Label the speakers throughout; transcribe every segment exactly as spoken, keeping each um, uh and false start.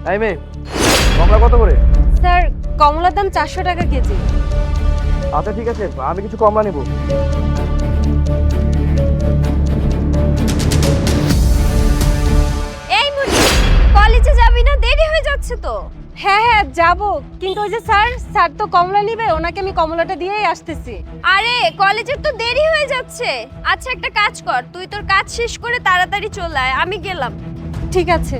Speaker 1: এই মেয়ে, কমলা কত করে?
Speaker 2: স্যার কমলার দাম চারশো টাকা কেজি।
Speaker 1: আচ্ছা ঠিক আছে, আমি কিছু কমলা নেব।
Speaker 2: এই মুনি, কলেজে যাবি না? দেরি হয়ে যাচ্ছে তো। হ্যাঁ হ্যাঁ যাব, কিন্তু ওই যে স্যার স্যার তো কমলা নিবে, ওনাকে আমি কমলাটা দিয়েই আসতেছি।
Speaker 3: আরে কলেজের তো দেরি হয়ে যাচ্ছে। আচ্ছা একটা কাজ কর, তুই তোর কাজ শেষ করে তাড়াতাড়ি চলে আয়, আমি গেলাম।
Speaker 2: ঠিক আছে।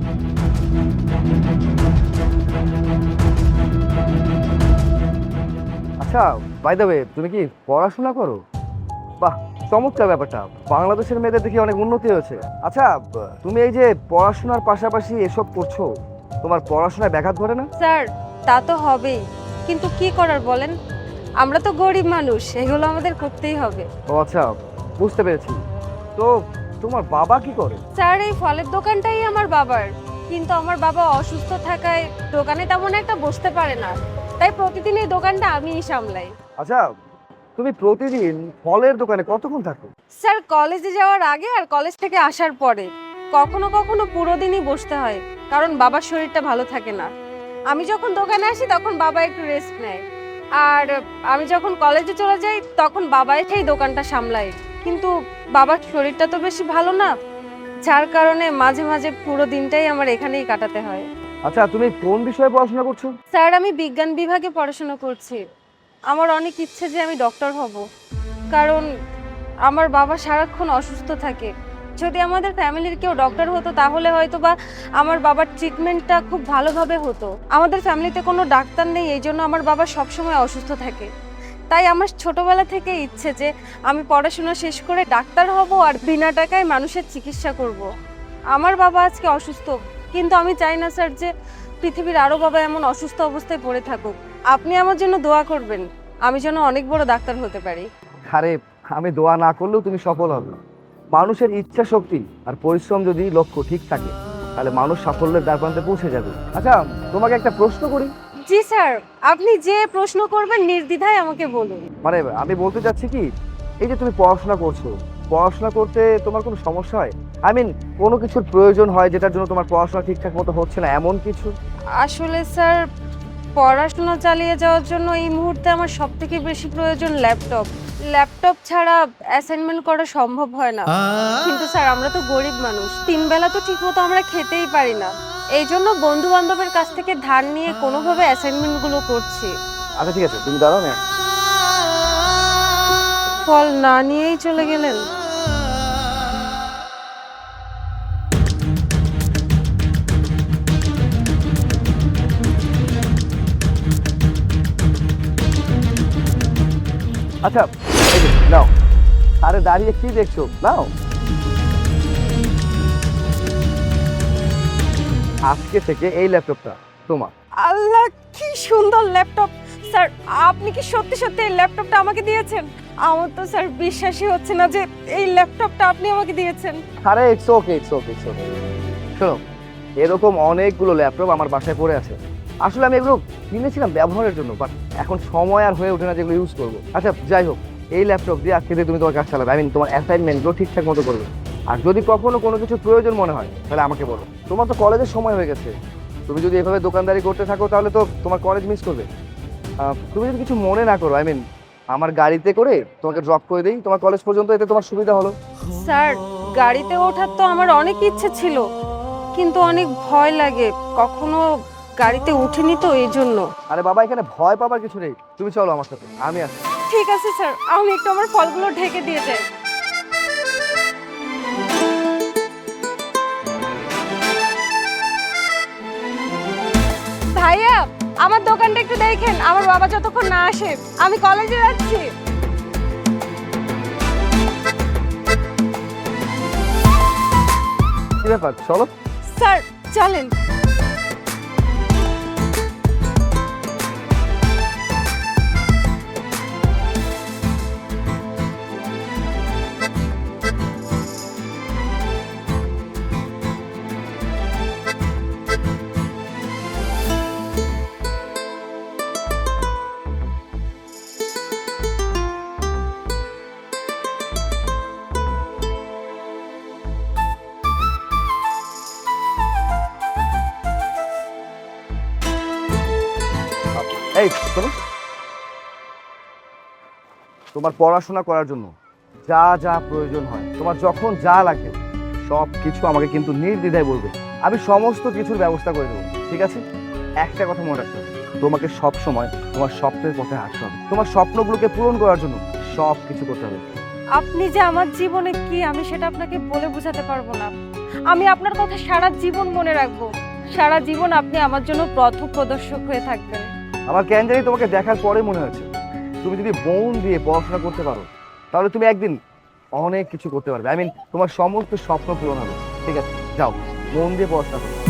Speaker 1: আচ্ছা বাই দ্য ওয়ে, তুমি কি পড়াশোনা করো? বাহ, চমৎকার ব্যাপারটা। বাংলাদেশের মেয়েদের দেখি অনেক উন্নতি হয়েছে। আচ্ছা, ব- তুমি এই যে পড়াশোনার পাশাপাশি এসব করছো, তোমার পড়াশোনায় ব্যাঘাত ঘটে না?
Speaker 2: স্যার তা তো হবেই, কিন্তু কি করার বলেন, আমরা তো গরিব মানুষ, এগুলো আমাদের করতেই হবে।
Speaker 1: ও আচ্ছা, বুঝতে পেরেছি। তো তোমার বাবা কি করে?
Speaker 2: স্যার এই ফলের দোকানটাই আমার বাবার, কিন্তু আমার বাবা অসুস্থ থাকায় দোকানে তেমন একটা বসতে পারে না, তাই প্রতিদিন এই দোকানটা আমিই সামলাই।
Speaker 1: আচ্ছা, তুমি প্রতিদিন ফলের দোকানে কতক্ষণ থাকো?
Speaker 2: স্যার কলেজে যাওয়ার আগে আর কলেজ থেকে আসার পরে কখনো কখনো পুরো দিনই বসতে হয়, কারণ বাবার শরীরটা ভালো থাকে না। আমি যখন দোকানে আসি তখন বাবা একটু রেস্ট নেয়, আর আমি যখন কলেজে চলে যাই তখন বাবা এসেই দোকানটা সামলায়। কিন্তু বাবার শরীরটা তো বেশি ভালো না, যার কারণে মাঝে মাঝে পুরো দিনটাই আমার এখানেই কাটাতে হয়।
Speaker 1: আচ্ছা, তুমি কোন বিষয়ে পড়াশোনা করছো?
Speaker 2: স্যার আমি বিজ্ঞান বিভাগে পড়াশোনা করছি। আমার অনেক ইচ্ছে যে আমি ডক্টর হব, কারণ আমার বাবা সারাক্ষণ অসুস্থ থাকে। যদি আমাদের ফ্যামিলির কেউ ডক্টর হতো তাহলে হয়তো বা আমার বাবার ট্রিটমেন্টটা খুব ভালোভাবে হতো। আমাদের ফ্যামিলিতে কোনো ডাক্তার নেই, এই জন্য আমার বাবা সবসময় অসুস্থ থাকে। তাই আমার ছোটবেলা থেকে ইচ্ছে যে আমি পড়াশোনা শেষ করে ডাক্তার হব আর বিনা টাকায় মানুষের চিকিৎসা করব। আমার বাবা আজকে অসুস্থ, কিন্তু আমি চাই না স্যার যে পৃথিবীর আরও বাবা এমন অসুস্থ অবস্থায় পড়ে থাকুক। আপনি আমার জন্য দোয়া করবেন, আমি যেন অনেক বড় ডাক্তার হতে পারি।
Speaker 1: আরে, আমি দোয়া না করলেও তুমি সফল হবে। মানুষের ইচ্ছা শক্তি আর পরিশ্রম যদি লক্ষ্য ঠিক থাকে, তাহলে মানুষ সাফল্যের দ্বারপ্রান্তে পৌঁছে যাবে। আচ্ছা, তোমাকে একটা প্রশ্ন করি।
Speaker 2: জি স্যার, আপনি যে প্রশ্ন করবেন নির্দ্বিধায় আমাকে বলুন।
Speaker 1: মানে আমি বলতে চাচ্ছি কি, এই যে তুমি পড়াশোনা করছো, পড়াশোনা করতে তোমার কোনো সমস্যা হয়? আই মিন, কোনো কিছুর প্রয়োজন হয় যেটার জন্য তোমার পড়াশোনা ঠিকঠাক মতো হচ্ছে না, এমন কিছু?
Speaker 2: আসলে স্যার পড়াশোনা চালিয়ে যাওয়ার জন্য এই মুহূর্তে আমার সব থেকে বেশি প্রয়োজন ল্যাপটপ। ল্যাপটপ ছাড়া অ্যাসাইনমেন্ট করা সম্ভব হয় না। কিন্তু স্যার আমরা তো গরিব মানুষ, তিন বেলা তো ঠিকমতো আমরা খেতেই পারি না, এই জন্য বন্ধু বান্ধবের কাছ থেকে ধার নিয়ে কোনোভাবে অ্যাসাইনমেন্টগুলো করছি।
Speaker 1: আচ্ছা ঠিক আছে, তুমি দাঁড়াও না।
Speaker 2: ফল না নিয়েই চলে গেলেন।
Speaker 1: আচ্ছা, এই যে, নাও। আরে দাঁড়িয়ে কি দেখছো, নাও। আজকে থেকে এই ল্যাপটপটা তোমার।
Speaker 2: আল্লাহ, কি সুন্দর ল্যাপটপ! স্যার আপনি কি সত্যি সত্যি এই ল্যাপটপটা আমাকে দিয়েছেন? আমার তো স্যার বিশ্বাসই হচ্ছে না যে এই ল্যাপটপটা আপনি আমাকে দিয়েছেন।
Speaker 1: আরে it's okay, it's okay, it's okay. শোনো, এরকম অনেকগুলো ল্যাপটপ আমার বাসায় পড়ে আছে। আসলে আমি এগুলো কিনেছিলাম ব্যবহারের জন্য, বাট এখন সময় আর হয়ে ওঠে না যেগুলো ইউজ করবো। আচ্ছা যাই হোক, এই ল্যাপটপ দিয়ে আজকে দিয়ে তুমি তোমার কাজ চালাবে, আই মিন তোমার অ্যাসাইনমেন্টগুলো ঠিকঠাক মতো করবে। আর যদি কখনো কোনো কিছু প্রয়োজন মনে হয় তাহলে আমাকে বলো। তোমার তো কলেজের সময় হয়ে গেছে, তুমি যদি এভাবে দোকানদারি করতে থাকো তাহলে তো তোমার কলেজ মিস করবে। আহ, তুমি যদি কিছু মনে না করো, আই মিন আমার গাড়িতে করে তোমাকে ড্রপ করে দিই তোমার কলেজ পর্যন্ত, এতে তোমার সুবিধা হলো।
Speaker 2: স্যার গাড়িতে ওঠার তো আমার অনেক ইচ্ছে ছিল, কিন্তু অনেক ভয় লাগে, কখনো গাড়িতে উঠিনি তো এই জন্য।
Speaker 1: আরে বাবা, এখানে ভয় পাবার কিছু নেই, তুমি চলো আমার সাথে, আমি আসি।
Speaker 2: ঠিক আছে স্যার, আমি একটু আমার ফলগুলো ঢেকে দিয়ে যাই। ভাইয়া আমার দোকানটা একটু দেখেন, আমার বাবা যতক্ষণ না আসে, আমি কলেজে যাচ্ছি।
Speaker 1: কি ব্যাপার, চলো।
Speaker 2: স্যার চলেন।
Speaker 1: এই শোনো, তোমার পড়াশোনা করার জন্য যা যা প্রয়োজন হয়, তোমার যখন যা লাগবে সব কিছু আমাকে কিন্তু নির্দ্বিধায় বলবে, আমি সমস্ত কিছুর ব্যবস্থা করে দেবো, ঠিক আছে? একটা কথা মনে রাখতে হবে, তোমাকে সব সময় তোমার স্বপ্নের পথে হাঁটতে হবে, তোমার স্বপ্নগুলোকে পূরণ করার জন্য সব কিছু করতে হবে।
Speaker 2: আপনি যে আমার জীবনে কি আমি সেটা আপনাকে বলে বোঝাতে পারবো না। আমি আপনার কথা সারা জীবন মনে রাখবো, সারা জীবন আপনি আমার জন্য পথ প্রদর্শক হয়ে থাকবেন।
Speaker 1: আমার কেন জানি তোমাকে দেখার পরে মনে হয়েছে তুমি যদি মন দিয়ে পড়াশোনা করতে পারো তাহলে তুমি একদিন অনেক কিছু করতে পারবে। আই মিন তোমার সমস্ত স্বপ্ন পূরণ হবে। ঠিক আছে, যাও মন দিয়ে পড়াশোনা করো।